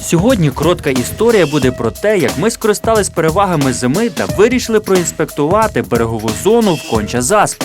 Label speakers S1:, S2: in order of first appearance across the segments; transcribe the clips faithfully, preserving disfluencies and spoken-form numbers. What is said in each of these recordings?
S1: Сьогодні коротка історія буде про те, як ми скористались перевагами зими та вирішили проінспектувати берегову зону в Конча-Заспі.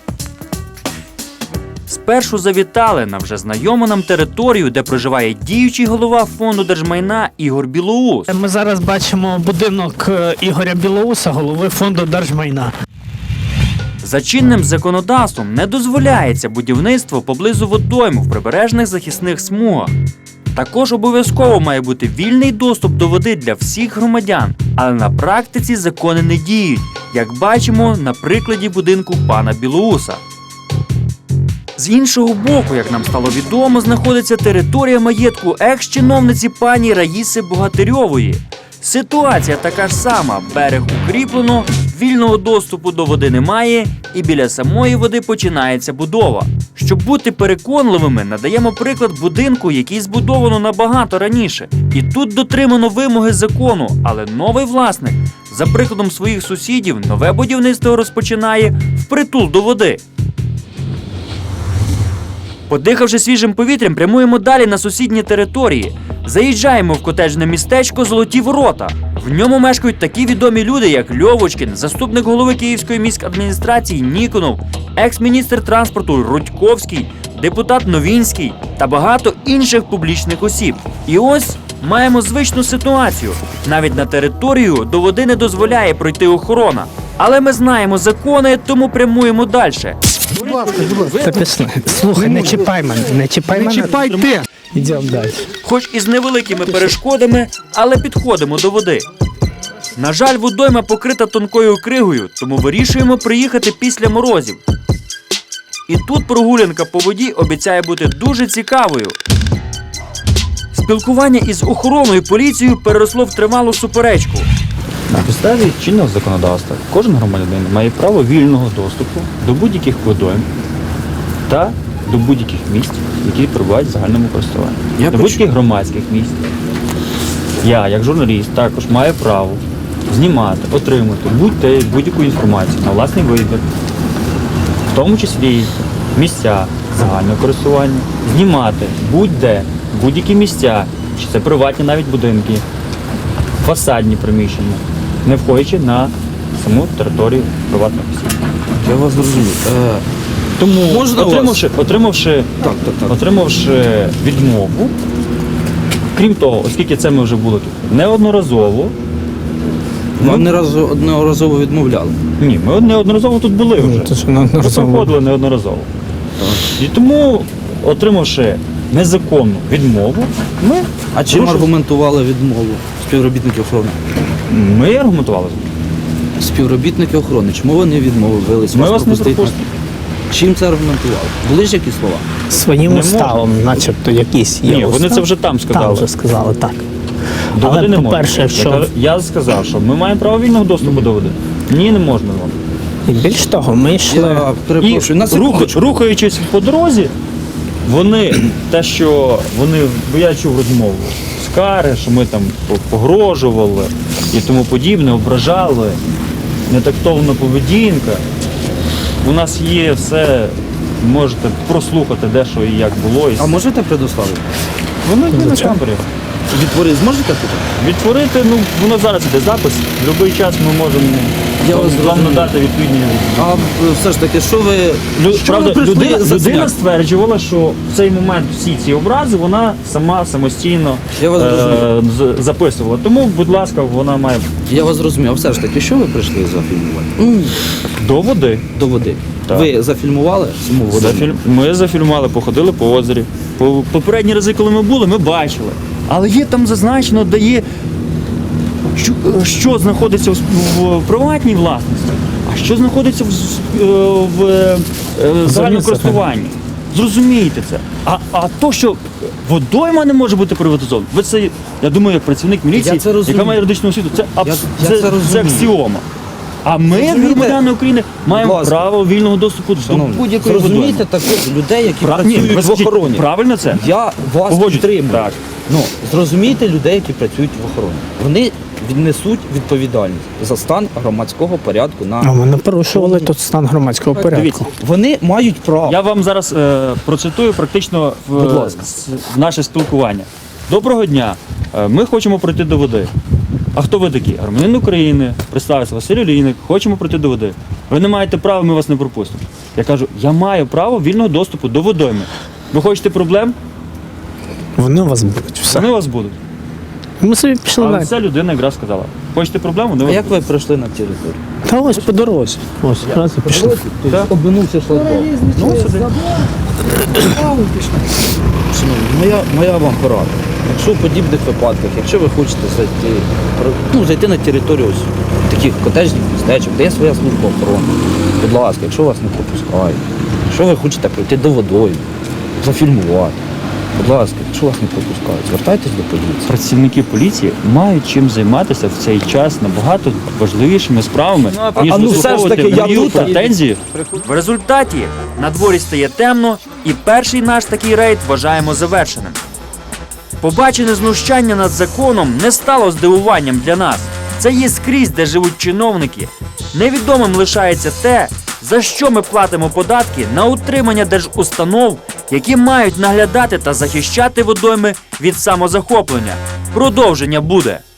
S1: Спершу завітали на вже знайому нам територію, де проживає діючий голова фонду держмайна Ігор Білоус.
S2: Ми зараз бачимо будинок Ігоря Білоуса, голови фонду держмайна.
S1: За чинним законодавством не дозволяється будівництво поблизу водойм в прибережних захисних смугах. Також обов'язково має бути вільний доступ до води для всіх громадян, але на практиці закони не діють, як бачимо на прикладі будинку пана Білоуса. З іншого боку, як нам стало відомо, знаходиться територія маєтку екс-чиновниці пані Раїси Богатирьової. Ситуація така ж сама, берег укріплено, вільного доступу до води немає і біля самої води починається будова. Щоб бути переконливими, надаємо приклад будинку, який збудовано набагато раніше. І тут дотримано вимоги закону, але новий власник, за прикладом своїх сусідів, нове будівництво розпочинає впритул до води. Подихавши свіжим повітрям, прямуємо далі на сусідні території. Заїжджаємо в котеджне містечко Золоті Ворота. В ньому мешкають такі відомі люди, як Льовочкін, заступник голови Київської міськадміністрації Ніконов, екс-міністр транспорту Рудьковський, депутат Новінський та багато інших публічних осіб. І ось маємо звичну ситуацію. Навіть на територію до води не дозволяє пройти охорона. Але ми знаємо закони, тому прямуємо далі.
S3: Будь ласка, будь ласка.
S2: Це пішли. Слухай, не чіпай мене, не чіпай
S3: Не
S2: мене.
S3: чіпай ти!
S2: Йдемо далі.
S1: Хоч і з невеликими перешкодами, але підходимо до води. На жаль, водойма покрита тонкою кригою, тому вирішуємо приїхати після морозів. І тут прогулянка по воді обіцяє бути дуже цікавою. Спілкування із охороною поліцією переросло в тривалу суперечку.
S4: На підставі чинного законодавства кожен громадянин має право вільного доступу до будь-яких водойм та до будь-яких місць, які перебувають в загальному користуванні.
S3: Я
S4: до будь-яких громадських місць. Я, як журналіст, також маю право знімати, отримати будь-те будь-яку інформацію на власний вибір, в тому числі місця загального користування, знімати будь-де, будь-які місця, чи це приватні навіть будинки, фасадні приміщення, не входячи на саму територію приватних осіб.
S3: Я вас зрозумів. Е,
S4: Тому,
S3: Можна
S4: отримавши, отримавши,
S3: Так, так, так.
S4: отримавши відмову, крім того, оскільки це ми вже були тут неодноразово,
S3: Вам не разу одноразово відмовляли.
S4: ні, ми неодноразово тут були вже.
S2: Це ж
S4: Ми
S2: неодноразово.
S4: проходили неодноразово. І тому, отримавши незаконну відмову, ми,
S3: А чим
S4: порушили-
S3: аргументували відмову співробітники охорони?
S4: ми аргументували.
S3: Співробітники охорони, чому вони відмовились
S4: Ми вас не
S3: пропустити?
S4: пропустимо.
S3: Чим це аргументували? Були ж якісь слова?
S2: Своїм
S4: Не
S2: уставом, начебто, якісь є
S4: Ні, вони
S2: устав.
S4: це вже там сказали.
S2: Там вже сказали, так.
S4: До
S2: Але,
S4: води не можна.
S2: по-перше, якщо-
S4: Я, кажу- я сказав, що ми маємо право вільного доступу до води. Ні, не можна.
S2: І більш того, ми йшли.
S3: Я перепрошую, на
S4: І рух,
S3: секундочку.
S4: рухаючись по дорозі, вони, те, що вони, бо я чув розмову, скари, що ми там погрожували і тому подібне, ображали, нетактовна поведінка. У нас є все, можете прослухати, де що і як було. І
S3: А можете предоставити?
S4: воно йде на камері.
S3: Відтворити зможете тут?
S4: Відтворити, ну, воно зараз іде запис, в будь-який час ми можемо
S3: Я
S4: вам
S3: вас
S4: вам
S3: зрозумів.
S4: надати відповідні.
S3: А все ж таки, що ви,
S4: Лю-
S3: що
S4: Правда,
S3: ви прийшли
S4: людина,
S3: за
S4: людина
S3: смерть?
S4: стверджувала, що в цей момент всі ці образи вона сама самостійно
S3: Я вас
S4: е, з- записувала. Тому, будь ласка, вона має
S3: Я вас зрозумів, а все ж таки, що ви прийшли зафільмувати? М,
S4: до води.
S3: До води.
S4: Так.
S3: Ви зафільмували саму воду?
S4: Зафільм... Ми зафільмували, походили по озері. По... Попередні рази, коли ми були, ми бачили. Але є там зазначено, де є, що, що знаходиться в, в приватній власності, а що знаходиться в, в, в е, загальному користуванні. Зрозумієте це. А, а то, що водойма не може бути приватизована, ви це, я думаю, як працівник міліції,
S3: Я це розумію.
S4: яка має юридичну освіту, це, абс...
S3: Я- я
S4: це,
S3: це
S4: це,
S3: розумію.
S4: аксіома. А ми,
S3: Розумієте?
S4: громадяни України, маємо
S3: Будь ласка.
S4: право вільного доступу до
S3: Шановні,
S4: будь-якої водойми.
S3: зрозумійте також людей, які
S4: Пра-
S3: працюють
S4: Ні, ви
S3: в
S4: скажіть,
S3: охороні.
S4: правильно це?
S3: Я вас
S4: Погоджуюсь.
S3: підтримую.
S4: Так.
S3: Ну, зрозумійте людей, які працюють в охороні. Вони віднесуть відповідальність за стан громадського порядку на
S2: А ми не порушували тут стан громадського порядку.
S4: Дивіться,
S3: вони мають право.
S4: я вам зараз е, процитую практично в,
S3: Будь ласка.
S4: с- в наше спілкування. Доброго дня. Е, Ми хочемо пройти до води. А хто ви такі? Громадянин України, представився Василь Олійник, хочемо пройти до води. Ви не маєте права, ми вас не пропустимо. Я кажу, я маю право вільного доступу до водойми. Ви хочете проблем?
S2: Вони у вас будуть. Все.
S4: Вони у вас будуть.
S2: Ми собі пішли
S4: Але
S2: далі.
S4: ця людина якраз сказала. Хочете проблем? Вони у
S3: А
S4: вас
S3: як
S4: будуть.
S3: ви пройшли на територію?
S2: Та ось по дорозі. Ось, раз і пішли.
S3: Тобто обминувся шлагбаум. Ну, сюди. Шановні, моя, моя вам порада. Якщо в подібних випадках, якщо ви хочете зайти, про- ну, зайти на територію ось таких котеджних містечок, де є своя служба охорони, будь ласка, якщо вас не пропускають, якщо ви хочете прийти до водою, зафільмувати, будь ласка, якщо вас не пропускають, звертайтесь до поліції.
S4: Працівники поліції мають чим займатися в цей час набагато важливішими справами,
S3: а-
S4: ніж
S3: а ну все ж
S4: вислуховувати
S3: таки, я
S4: мої
S3: тут.
S4: претензії.
S1: В результаті на дворі стає темно, і перший наш такий рейд вважаємо завершеним. Побачене знущання над законом не стало здивуванням для нас. Це є скрізь, де живуть чиновники. Невідомим лишається те, за що ми платимо податки на утримання держустанов, які мають наглядати та захищати водойми від самозахоплення. Продовження буде.